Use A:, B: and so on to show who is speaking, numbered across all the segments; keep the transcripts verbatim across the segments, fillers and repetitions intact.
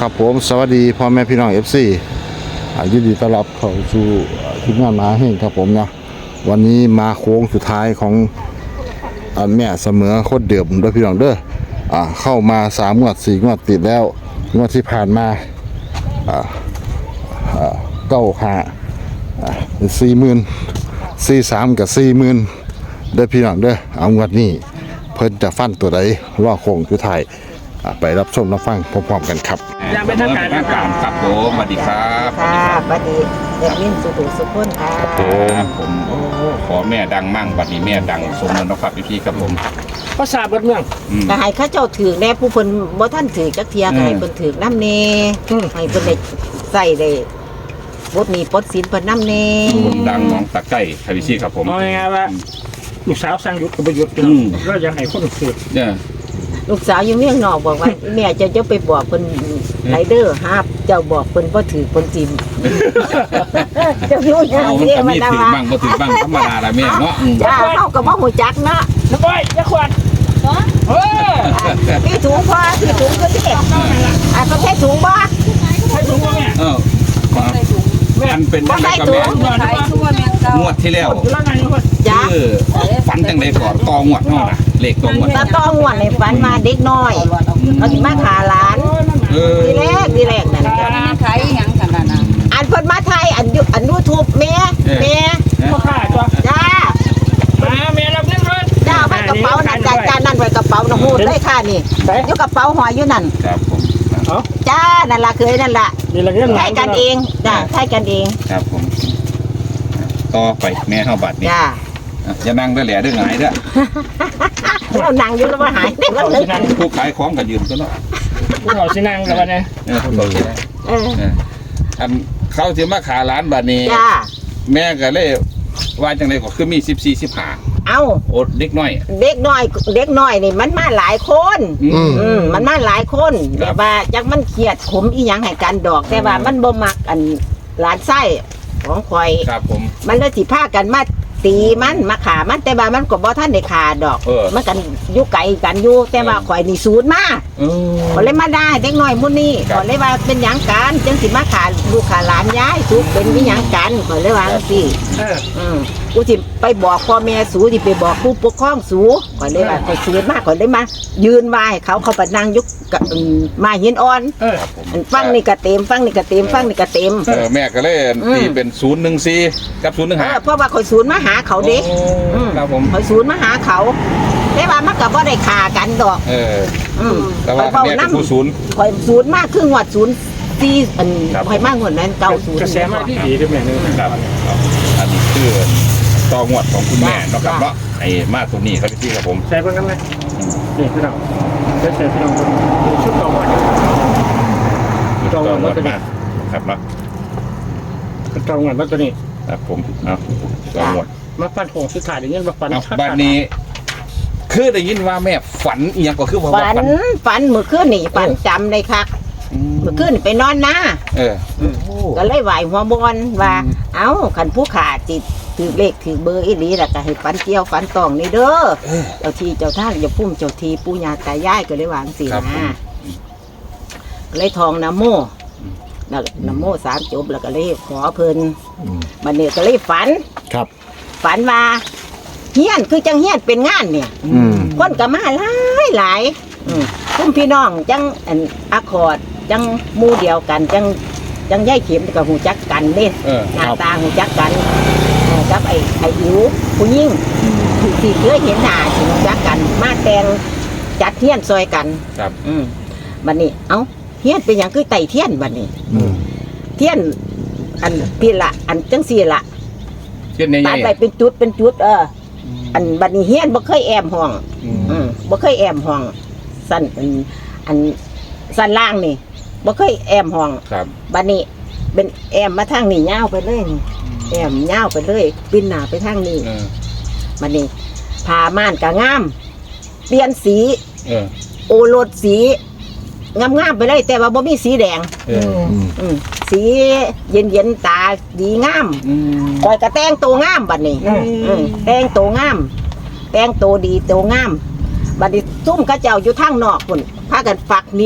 A: ครับผมสวัสดีพ่อแม่พี่น้อง เอฟ ซี อ่ายินดีต้อนรับเข้าสู่ทีมงานมหาเฮงครับผมเนาะวันนี้มาโค้งสุดท้ายของอ่าแม่เสมอโคตรเดิมด้วยพี่น้องเด้ออ่าเข้ามาสามงวดสี่งวดติดแล้วงวดที่ผ่านมาอ่าอ่าเก้าห้าอ่าสี่หมื่นสี่สามกับสี่หมื่นเด้อพี่น้องเด้อเอางวดนี้เพิ่นจะฟันตัวใดรอโค้งสุดท้ายอ่าไปรับชมรับฟังพร้อมๆกันครับ
B: ยังเป็นทางการ
C: ทางการครับผมสวัสดีครับ
D: ค่ะบัดนี้เด็กนิ่มสุขุสุขคนค่ะ
C: ผมผมขอแม่ดังมั่งบัดนี้แม่ดังสมนนะครับพี่ๆครับผม
B: ภาษาบ้านเมือง
C: อืม
D: ก็ให้เข้าเจ้าถือแน่ผู้เพิ่นบ่ท่านถือจักเทียก็ให้เพิ่นถือน้ำเนให้เพิ่นได้ใส่ได้บทนี้ปลดศีลเพิ่นน้ำเน
C: คนดังน้องตะไก่พี่ๆครับผม
B: เอาง่ายๆว่าลูกสาวสร้างยุทธกับประยุทธ์
C: อืม
B: ก็ยังให้คนสืบ
C: เนี่ย
D: ลูกสาวอยู่เมืองนอกบอกว่า แม่จะจะไปบอกเพิ่นไรเดอร์ฮาบเจ้าบอกเพิ่นบ่ถือเพิ่นจิมเจ้าอยู่ยัง
C: เอา
D: เสีย
C: มัน
D: มัน
C: มี
D: นะ
C: ถือ
D: ว่า
C: บ้างก็ถือบ้างธรรมดาละแม่เนาะอืม
D: จ้าเฮาก็บ่ฮู้จักเนาะ
B: น้ำอ้อยยาขวดเออ
D: พี่ถุงพอพี่ถุงก็สิอ่ะเขาใช้ถุงบ่
B: ใช่ถุงว่าแม่
C: เออมันเป็นจังไดกับแม่
B: ใช่ถุงว่าแม่
C: งวดที่แล้ว
B: อยู่แล้วไงคน
D: จ้า
C: คือฝันจังไดก่อนตองวดเนาะนะเลขตองวด
D: ตาต้องงวดในฝันมาเด็กน้อยเขาสิมาขาหลาน
C: เออ
D: ทีแรกทีแรกนั่นจ้ะ
E: ขายหยังกันน่ะนะ
D: อันเพิ่นมาไทยอันยูอันยูทูบแม่แม่
B: พ่อข้าตัว
D: จ้า
B: มาแม่รับเงินเพิ่น
D: จ้าไว้กระเป๋านั่นจ้าจ้านั่นไว้กระเป๋านะหูดเลยค่ะนี่อยู่กระเป๋าหอยอยู่นั่น
C: ครับผม
B: เอา
D: จ้านั่นล่ะเคยนั่นล่ะ
B: มีอะไรเงินห
D: ใช้กันเองจ้าใช้กันเอง
C: ครับผมต่อไปแม่เฮาบัดนี้
D: จ้า
C: อย่านั่งเด้อแหล่เด้อหงายเด้อ
D: เรานั่งอยู่แล้วว่าหายได้
B: เอา
D: แล้ว
B: สินั่ง
C: ผู้ขายของก็ยืมตัวเนาะ
B: เอาสินั่งกันวันนี้
C: เออเขาสิ
D: เออ
C: เอออันเขาสิมาขาร้านบัดนี้
D: จ้า
C: แม่ก็เลยว่าจังไดก็คือมีสิบสี่ สิบห้า
D: เอ้า
C: โอดเด็กน้อย
D: เด็กน้อยเด็กน้อยนี่มันมาหลายคน
C: อืม
D: อืมมันมาหลายคน
C: ครั
D: แต่
C: บ
D: ว่าจักมันเครียดขมอีหยังให้กันดอก แต่ว่ามันบ่มักอันหลานไส้ของข่อย
C: ครับผม
D: มันเลยสิพากันมาตีมันมาขามันแต่ว่ามันก็บ่ทันได้ขาดอก
C: เออ
D: มันกันอยู่ไกลกันอยู่แต่ว่าข่อยนี่สูญมา
C: เออ
D: ข่อยเลยมาได้เด็กน้อยมื้อนี้
C: ครับ
D: ข่อยเลยว่าเป็นหยังกันจังสิมาขาลูกขาหลานยายสูเป็นมีหยังกันข่อยเลยว่าจังซี่
B: เออ
D: อืมกูสิไปบอกพ่อแม่สูสิไปบอกผู้ปกครองสูข่อยเลยว่าข่อยสูญมาข่อยเลยมา ยืนไหว้เขาเขาไปนั่งอยุกกับอืมมาหินอ่อน
B: เออ
C: ครับผม
D: อันฟังนี่ก็เต็มฟังนี่ก็เต็มฟังนี่ก็เต็ม
C: เออแม่ก็เลย
D: อืม
C: ตีเป็นศูนย์หนึ่งสี่กับศูนย์หนึ่ง
D: เอ
C: ห้า
D: อเพราะว่าข่อยสูญมาหาเขาเด็ก อืม
C: ครับผม
D: ข่อยสูญมาหาเขาแต่ว่ามันก็บ่ได้ฆ่ากันดอก
C: เออ
D: อืม
C: แต่ว่า
D: ข่อย
C: แม่
D: เว้า
C: เป็นผู้
D: นำ
C: ศูนย์
D: ข่อยสูญมากครึ่งวัดศูนย์สี่อัน
C: ครับ
D: ข่อยมากกว่านั้นเก้าศูนย์
B: กระแสมาที่ดีด้วยแม่นึง
C: ครับครับอันนี้คือต่องวดของคุณแม่เนาะครับเนาะไอ้มาตัวนี้ครับพี่ครับผม
B: ใช่เพิ่นกันไหมนี่พี่น้องใช่ใช่พี่น้องชุดต่อมาจองเงินมาตัวนี้
C: ครับเนาะ
B: จองเงินมาตัวนี้
C: ครับผมเอาต่องวด
B: มาฟันโหงสุดท้ายเดี๋ยวนี้มาฟัน
C: เอาบ้านนี้ คือได้ยินว่าแม่ฝันอีหยังก็คือว่า
D: ฝันฝันเมื่อคืนนี่ฝันจำได้คัก
C: อืม
D: เมื่อคืนไปนอนนะ
C: เออ
D: ก็เลยไหวหัวบอลว่า
C: อืม
D: เอ้าขันผู้ขาจิตถือเลขถือเบอร์อีหลีแล้วก็ให้ฝันเกี่ยวฝันตองนี่เด้อเจ้าที่เจ้าท่านอย่าพุ่มเจ้าทีปู่ย่าตายายก็เลยวาจั่งสิ
C: ครับผม
D: นะก็เลยทองนะโมแล้วนะโมสามจบแล้วก็เลยขอเพิ่น
A: อืม
D: บัดนี้ก็เลยฝัน
A: ครับ
D: ฝันว่าเฮียนคือจังเฮียนเป็นงานเนี่ย
A: อืม
D: คนก็มาหลายหลายอืมพุ่มพี่น้องจังอันอาคอร์ดจังหมู่เดียวกันจังจังย่ายเข็มกับหูจักกันเด้
C: เออ
D: หน้าตาหูจักกันเออกับไอ้ไอ้อิ๋วผู้ยิ่งที่ที่เคยเห็นหน้าที่หูจักกัน มาแต่งจัดเทียนซอยกัน
C: ครับ
D: อืมบัดนี้ เอ้าเทียนเป็นอย่างคือไต่เทียนบัดนี้
A: อืม
D: เทียน อันพี่ละอันจังสี่ละ
C: เช่นใน
D: ตั
C: ให
D: ด
C: ญ่
D: ไปเป็นจุดเป็นจุด เออ อันบัดนี้เฮียนบ่เคยแอมห้อง อืมบ่เคยแอมห้องสั้นอันอันสั้นล่างนี่บ่เคยแอมห้อง
C: ครับ
D: บัดนี้เป็นแอมมาทางนี้ยาวไปเลยนี่แอมยาวไปเลยปิ้นหน้าไปทางนี้
C: เออ
D: บัดนี้ผ้าม่านก็งาม เปลี่ยนสี
C: เออ
D: โอรสสีงามๆไปเลย แต่ว่าบ่มีสีแดง
C: เออ
A: อืม
D: อืมสีเย็นๆตาดีงาม
C: อืม
D: คอยก็แต่งตัวงามบัดนี้ อืมแต่งตัวงาม แต่งตัวดีตัวงาม บัดนี้ซุ่มกระเจ้าอยู่ทางนอกพุ่นพากันฝักเนี่ย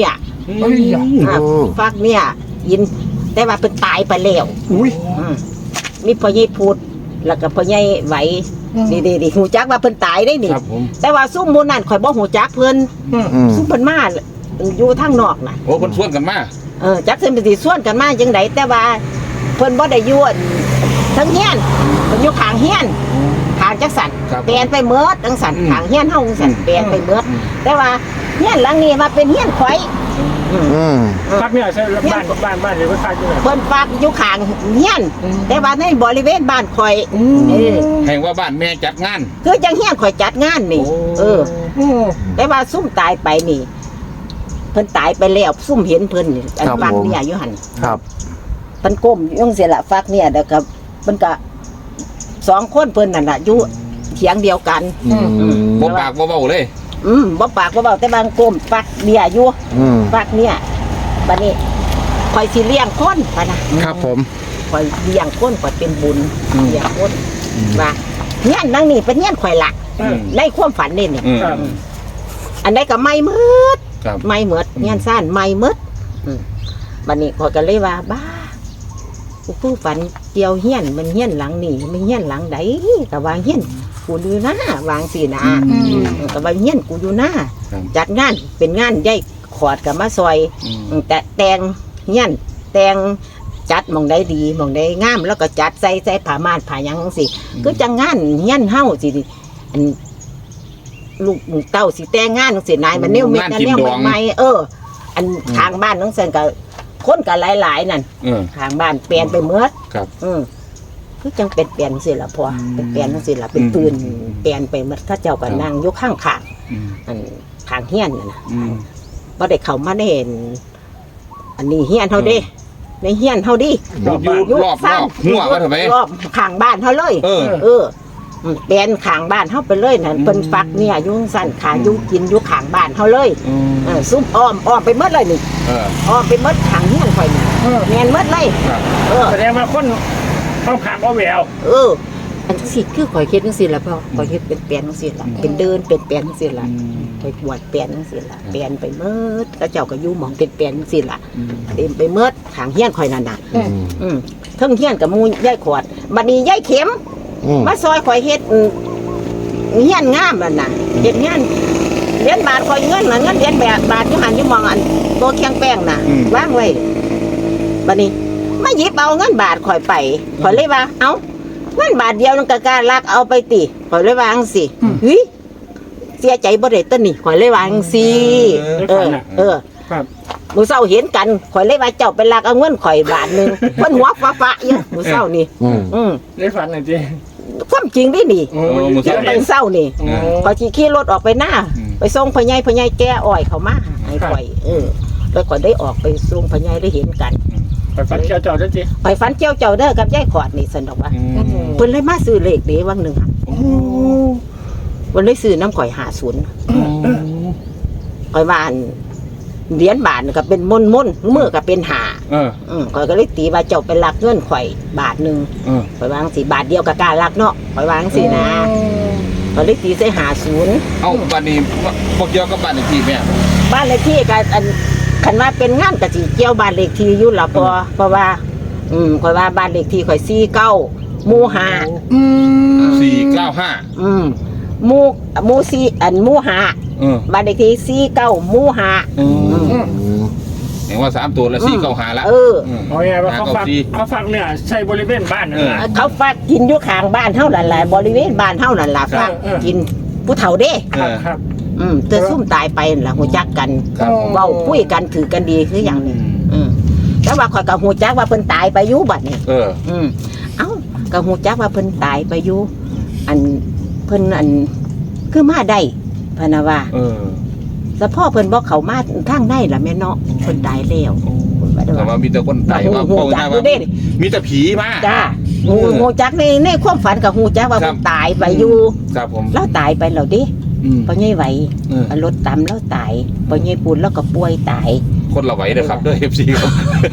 B: เฮ้ยอย่า
D: อ่าฟักเนี่ยยินแต่ว่าเป็นตายไปแล้ว
B: อุ้ย
D: อืมมีพ่อใหญ่พูดแล้วก็พ่อใหญ่ไหวนี่ดีดีหูจักว่าเพิ่นตายได้นี่
C: ครับผม
D: แต่ว่าซุ่มหมูนั่นข่อยบ่หูจักเพิ่น
B: อืม
A: อืม
D: ซุ่มเพิ่นมาอยู่ทางนอกน่ะ
C: โอ้คนชวนกันมา
D: เออจักเพิ่นไปสิส่วนกันมาจังไดแต่ว่าเพิ่นบ่ได้อยู่อั่นทั้งเฮียนเพิ่นอยู่ข้างเฮียนข้างจักสัน
C: ครับ
D: เปลี่ยนไปเมิดจังสัน
C: อืม
D: ข้างเฮียนเฮาจังสัน
C: อืม
D: เปลี่ยนไปเมิด
C: อืม
D: แต่ว่าเฮียนหลังนี้มาเป็นเฮียนข่อยอืม
A: อืม
B: พักเนี่ยใช่บ้านบ้านบ้านหรือว่าพักที่ไหน
D: เพิ่นฝากอยู่ข้างเฮียน แต่ว่าในบริเวณบ้านข่อยเออ
C: แห่งว่าบ้านแม่จัดงาน
D: คือจังเฮียนข่อยจัดงานนี่ เออ
B: โอ้
D: แต่ว่าซุ่มตายไปนี่ เพิ่นตายไปแล้วซุ่มเห็นเพิ่นนี่อันฟักเนี่ยอยู่หั่น
A: ครับ
D: เพิ่นก้มอยู่จังซี่ล่ะฟักเนี่ยเด้อกับเพิ่นก็สองคนเพิ่นนั่นน่ะอยู่เถียงเดียวกัน
A: อืม
C: บ่ปากบ่เบาเลย
D: อืมบ่ปากบ่เบาแต่บางก้มฟักเบียอยู่
A: อืม
D: ฟักเนี่ยบัดนี้ข่อยสิเลี้ยงคนปะนะครับ
A: ผม
D: ข่อยเลี้ยงคนข่อยเป็นบุญ
C: อืม
D: เลี้ยงคนว่าเฮียนนั่งนี่เป็นเฮียนข่อยละ
C: อืม
D: ในความฝันนี่นี่
C: อืม
D: อืมอันใดก็ไม่มืด
C: ครับ
D: ไม่มืดเฮียนซ่านไม่มืดอืมบัดนี้ข่อยก็เลยว่าบ้ากูผู้ฝันเกี่ยวเฮียนมันเฮียนหลังนี่มันเฮียนหลังใดก็ว่าเฮียนกูอยู่หน้าวางสินะ
C: อืม
D: อืมก็ว่าเฮียนกูอยู่หน้า
C: ครับ
D: จัดงานเป็นงานใหญ่ขอดกับมาซอย
C: อืม
D: อืมแต่แตงเฮียนแตงจัดหมองได้ดีหมองได้งาม แล้วก็จัดใส่ใส่ผ้าม่านผ้าหยังจังสิคือจังงานเฮียนเฮาสิอันลูกเต้าสิแต่งงานจังสินายมันแนวเม็ด
C: งาน
D: อัน
C: กิน
D: แนว
C: ดอง
D: ใหม่ๆเออ อันทางบ้านจังซั่นก็คนก็หลายๆนั่น
C: เออ
D: ทางบ้านเปลี่ยนไปหมด
C: ครับ
D: อืมคือจังเป็นเปลี่ยนจังซี่ล่ะพ่อเป็นเปลี่ยนจังซี่ล่ะเป็น
C: อืม
D: ปืนเปลี่ยนไปหมดเขาเจ้าก็นั่งอยู่ข้างข้าง
C: อืม
D: อันทางเฮียนนั่นน่ะ
C: อืม
D: บ่ได้เข้ามาได้เห็น อันนี้เฮียนเฮาเด้ในเฮียนเฮาดิ
C: อยู่รอบรอบหัวว่าทำไม
D: รอบข้างบ้านเฮาเลย
C: เออ
D: เอออืมเปลี่ยนข้างบ้านเฮาไปเลยนั่นเพิ่นฟักเนี่ยอยู่สั่นขาอยู่กินอยู่ข้างบ้านเฮาเลย
C: อืม
D: เออซุ่มอ้อมอ้อมไปหมดเลยนี่
C: เออ
D: อ้อมไปหมดข้างเฮียนข่อยนี่
B: เออ
D: แม่นหมดเลย
C: ครับ
D: เออ
B: แสดงว่าคนต้องขามเอาแหวว
D: เออ อันจังซี่คือข่อยเฮ็ดจังซี่ล่ะพ่อข่อยเฮ็ดเป็นเปลี่ยนจังซี่ล่ะเป็นเดินเป็นเปลี่ยนจังซี่ล่ะข่อยปวดเปลี่ยนจังซี่ล่ะเปลี่ยนไปหมดกระเจ้าก็อยู่หมองเป็นเปลี่ยนจังซี่ล่ะ
C: อืม
D: เต็มไปหมดข้างเฮียนข่อยนั่นน่ะ
A: อืม
D: อืมเทั้งเฮียนกับหมูย่ายขวดบัดนี้ย่ายเข็ม
A: อืม
D: มาซอยข่อยเฮ็ดอืมเฮียนงามนั่นน่ะเฮ็ดเฮียนเหรียญบาทข่อยเงินน่ะเงินเหรียญแบบบาทอยู่หันอยู่มองอันโตเคียงแป้งน่ะ
C: อืม
D: วางไว้บัดนี้มาหยิบเอาเงินบาทข่อยไปข่อยเลยว่า เอ้าเงินบาทเดียวนึงก็กล้าลักเอาไปติข่อยเลยว่าจังซี่เฮ้ยเสียใจบ่ได้ตัวนี่ข่อยเลยว่าจังซี่เออเออ
B: ครับ
D: มื้อเช้าเห็นกันข่อยเลยว่าเจ้าไปลักเอาเงินข่อยบาทหนึงเพิ่นหัวฟ้าๆอยู่มื้อเช้านี่
A: อืม
D: อืม
B: ได้ฝันหน่อยจี
D: ความจริงดินี่
B: โอ้
C: โอ้มึง
D: เดี๋ยวไปเศร้านี่
B: โอ้
D: พอขี่ขี่รถออกไปหน้า
C: อืม
D: ไปส่งพญายพญายแก้อ้อยเขามาให้ข่อยเออแล้วข่อยได้ออกไปส่งพญายได้เห็นกัน
B: ไปฝันเจ้าเจ้าจ้าจี
D: ข่อยฝันเจ้าเจ้าเด้อกับยายขอดนี่สนดอกว่า
C: อืม
D: เพิ่นเลยมาซื้อเลขเด้วังหนึ่งอะเพิ่นเลยซื้อน้ำข่อยหาศูนย์ข่อยว่าอันเหรียญบาทนี่ก็เป็นมนมนๆมือก็เป็นหา
C: เออ
D: อืมข่อยก็เลยตีว่าเจ้าเป็นลักเงินข่อยบาทหนึ่ง
C: เออ
D: ข่อยวาจั่งสิบาทเดียวกับการลักเนาะข่อยวาจั่งสินะข่อยเลยตีใส่หาศูนย์
C: เอาบ้านนี้พวกเกี่ยวกับบ้านอีกทีแม่
D: บ้านเลขที่ก็อันคันว่าเป็นงานกะสิเกี่ยวบ้านเลขที่อยู่ละพอเพราะว่า อืมข่อยว่าบ้านเลขที่ข่อยสี่เก้าหมู่ห้า
C: สี่เก้าห้า
D: อืมหมู่หมู่สี่อันหมู่ห้า
C: เออ
D: บ้านเลขที่สี่เก้าหมู่ห้า
C: อืม
A: อืม
C: เห็นว่าสามตัวแล้วสี่เก้าห้าละ
D: เออ
C: ม
B: เอาไงว่าเขา
C: ห้
B: ฟัก
C: สี่
B: เขาฟักเนี่ยใช่บริเวณบ้านนะ
C: เออ
D: เขาฝากกินอยู่ข้างบ้านเท่านั้นแหละบริเวณบ้านเท่านั้นล่ะฝาก
B: เออเออ
D: กินผู้เฒ่าเด้
B: ครับครับ
D: อืมแต่ซุ่มตายไปนั่นล่ะหูจักกัน
C: ครับ
D: เว้าคุยกันถือกันดีคืออย่างนี้ อืมแต่ว่าข่อยก็หูจักว่าเพิ่นตายไปอยู่บัดนี้
C: เออ
D: อืมเอ้าก็หูจักว่าเพิ่นตายไปอยู่อันเพิ่นอันคือมาได้พะนะว่า
C: เออ
D: แต่พ่อเพิ่นบอกเขามาทางในล่ะแม่เนาะเพิ่นตายแล้วเพิ่นว่าได้
C: แต่ว่า
D: ว่า
C: มีแต่คนตายว่า
D: หู
C: เป้า
D: จั
C: ห
D: ก
C: น้า
D: อยู่
C: ว่า
D: เด้
C: มีแต่ผีมา
D: จ้าหู
C: เออ
D: หูจักในในความฝันก็หูจักว่า
C: ครั
D: เพิ่
C: บ
D: นตายไปอยู่
C: ครับผม
D: แล้วตายไปแล้วเดิ
C: อืม
D: พ่อใหญ่ไหว
C: เออ
D: รถตำแล้วตายพ่อใหญ่ปูนแล้วก็ป่วยตาย
C: คนละไหวเลยครับด้วยเอฟซีครับ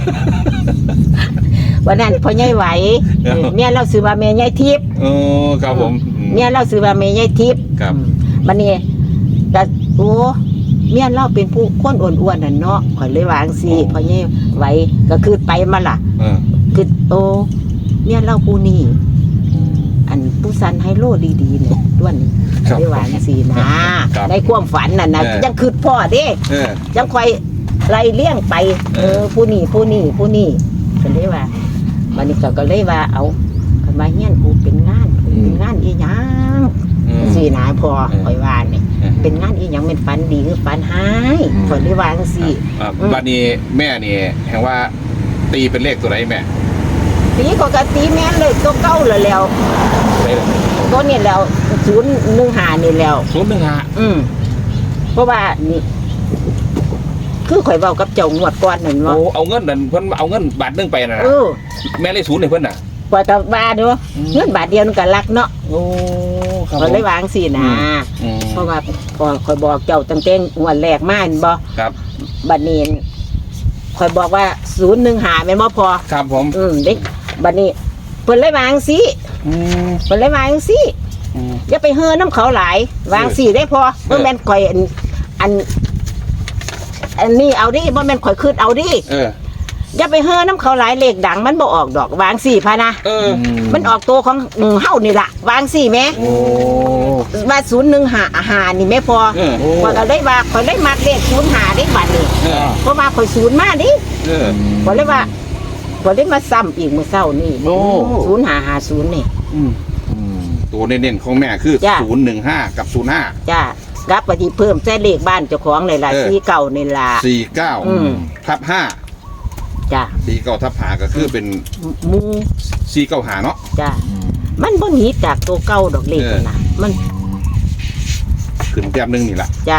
D: วันนั้นพ่อใหญ่ไหว
C: เออ
D: เมียเราซื้อว่าแม่ใหญ่ทิพย์
C: เออครับผมอืม
D: เมียเราซื้อว่าแม่ใหญ่ทิพย์
C: ครับ
D: บัดนี้ก็โอ้เมียเราเป็นผู้คนอ้วนๆน่ะเนาะข่อยเลยวาจั่งซี่พ่อใหญ่ไหวก็คือไปมาล่ะ
C: เออ
D: คือโตเมียเราผู้นี้อันผู้สันไฮโลดีๆเนี่ยด้วน
C: ครับ
D: เลยวาจั่งซี่นะครับ ในความฝันน่ะนะ
C: เออ
D: ยังคือพ่อเด้
C: เออ
D: ยังค่อยไล่เลี้ยงไป
C: เอ
D: เอ
C: อ
D: อผู้นี้ผู้นี้ผู้นี้ก็เลยว่าวันนี้ก็ก็เลยว่าเอาคันมาเฮียนกูเป็นงานเป็นงานอีหยัง
C: อืม
D: สินะพอ
C: เออ
D: ข่อยว่านี่
C: เออ
D: เป็นงานอีหยังเป็นฝันดีคือฝันหายข่อยเลยว่าจังซี่
C: อ่า
D: อืม
C: บัดนี้แม่นี่แห่งว่าตีเป็นเลขตัวไหนแม่
D: ตีก็กะตีแม่นเลยตัวเก่าแล้วแล้ว
C: ได้เลย
D: ตัวนี้แล้วศูนย์หนึ่งห้านี่แล้ว
C: ศูนย์หนึ่งห้า
D: อืมเพราะว่านี่ คือข่อยเว้ากับเจ้างวดก่อนนั่น
C: โอ้
D: ว่า
C: เอาเงินนั่นเพิ่นเอาเงินบาทหนึงไปน่ะนะ
D: เออ
C: แม่เลยศูนย์ให้เพิ่นน่ะ
D: กว่าจะว่าเด้อเงินบาทเดียวมันก็รักเนาะ
C: โอ้ครับ
D: ก็เลยวาจั่งซี่นะ
C: อืม
D: เพราะว่าพอข่อยบอกเจ้าตั้งแต่งวดแรกมาเห็นบ่
C: ครับ
D: บัดนี้ข่อยบอกว่าศูนย์หนึ่งหาแม่นบ่พอ
C: ครับผม
D: อืมเด็กบัดนี้เพิ่นเลยวาจั่งซี่
C: อืม
D: เพิ่นเลยวาจั่งซี่
C: อืม
D: อย่าไปเฮือน้ำเขาหลายวาจั่งซี่ได้พอบ่แม่นข่อยอันอัน อันนี้เอาดิบ่แม่นข่อยคืดเอาดิ
C: เออ
D: อย่าไปเฮือน้ำเขาหลายเลขดังมันบ่ออกดอกวาจั่งซี่พะนะ
C: เออ
D: มันออกตัวของอืมเฮานี่ล่ะวาจั่งซี่แหม
C: โอ้
D: ว่าศูนย์หนึ่งหาหานี่แม่พอ
C: เออ
D: ข่อยก็ได้ว่าข่อยได้มักเลขศูนย์หาได้บัดนี้
C: เออ
D: เพราะว่าข่อยศูนย์มาดิ
C: เออ
D: ข่อยเลยว่าข่อยได้มาซ้ำอีกมื้อเช้านี่
C: โอ้
D: ศูนย์หาหาศูนย์นี่
C: อืมตัวเน้นๆของแม่คือ
D: จ้ะ
C: ศูนย์หนึ่งห้ากับศูนย์ห้า
D: จ้ากับปฏิเพิ่มใส่เลขบ้านเจ้าของนี่ล่ะ
C: เออ
D: สี่เก่านี่ล่ะ
C: สี่เก้า
D: อืม
C: ทับห้า
D: จ้า
C: สี่เก้าทับห้าก็คือเป็น
D: หมู
C: สี่เก้าหาเนาะ
D: จ้ามันบ่หนีจากตัวเก่าดอกเลข
C: เออ
D: นั่นน่ะมัน
C: ขึ้นแต้มหนึงนี่แหละ
D: จ้า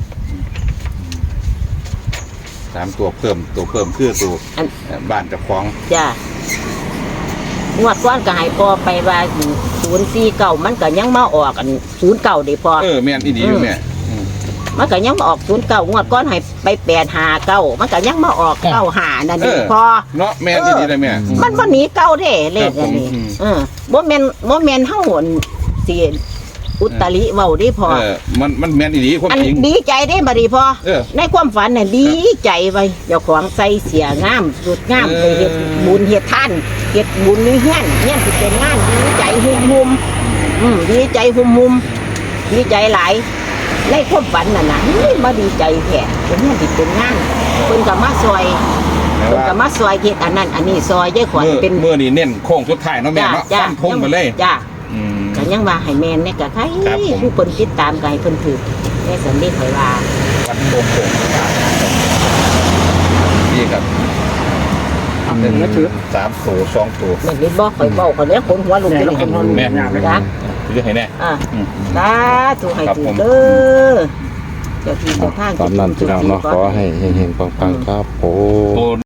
C: สามตัวเพิ่มตัวเพิ่มคือตัว
D: อัน
C: เอ่อบ้านเจ้าของ
D: จ้างวดก้อนก็ให้พอไปว่าศูนย์สี่เก่ามันก็ยังมาออกอันศูนย์เก่าได้พอ
C: เออแม่นอีดีอยู่แม่อืม
D: มันก็ยังมาออกศูนย์เก่างวดก้อนให้ไปแปดหาเก้ามันก็ยังมาออกเก้าหานั่นเองพอ
C: เนาะแม่นอีดีเลยแม่
D: มันบ่หนีเก่าเด้เลขอันนี้
C: ครับผม
D: เออบ่แม่นบ่แม่นเฮาหนสิอุตริเว้าได้พอ
C: เออมันมันแม่นอีดีความ
D: อัน
C: จริง
D: ดีใจได้บัดนี้พอ
C: เออ
D: ในความฝันน่ะดีใจไว้เจ้าของใส่เสียงามสุดงาม
C: เออ
D: ไปเฮ็ดบุญเฮ็ดทานเฮ็ดบุญในเฮียนเฮียนสิเป็นงานดีใจหุ่มๆอืมดีใจหุ่มๆดีใจหลายในความฝันน่ะนะเฮ้ยมาดีใจแท้เป็นเฮียนสิเป็นงานเพิ่นก็มาซอย
C: แต่
D: เพิ่น
C: ว่า
D: ก็มาซอยเฮ็ดอันนั้นอันนี้ซอยยายขวัญ
C: เมื่อ
D: เป็น
C: เมื่อนี่เน้นโค้งสุดท้ายเนาะแม่เนาะ
D: จ้า
C: ฟันทงไปเลย
D: จ้า
C: อืม
D: ก็ยังว่าให้แม่นเนี่ยก็ใคร
C: ครับผม
D: ผู้เพิ่นติดตามก็ให้เพิ่นถือแม่สันนิษข่อยว่า
C: ฟันทงโค้งสุดท้ายนี่ครับ
B: ทำเป็นมือถือ
C: สามตัวสองตัว
D: แม่นนี่บ่ข่อยเว้าข่อยเลยคนหัวลุก
B: แม่
D: เลย
B: เราคนนอน
C: แม่
B: แม่เลย
D: จ้า
C: เรื่องให้แน่
D: อ่า
C: อืม
D: สาธุให้
C: ครับ
D: ถื
C: ผ
D: อ
C: ม
D: เด้อเจ้าที่เจ้าทาง
A: ตามนั้นพี่น้องเนาะขอให้เฮงๆปังๆครับโอ้
C: โอ้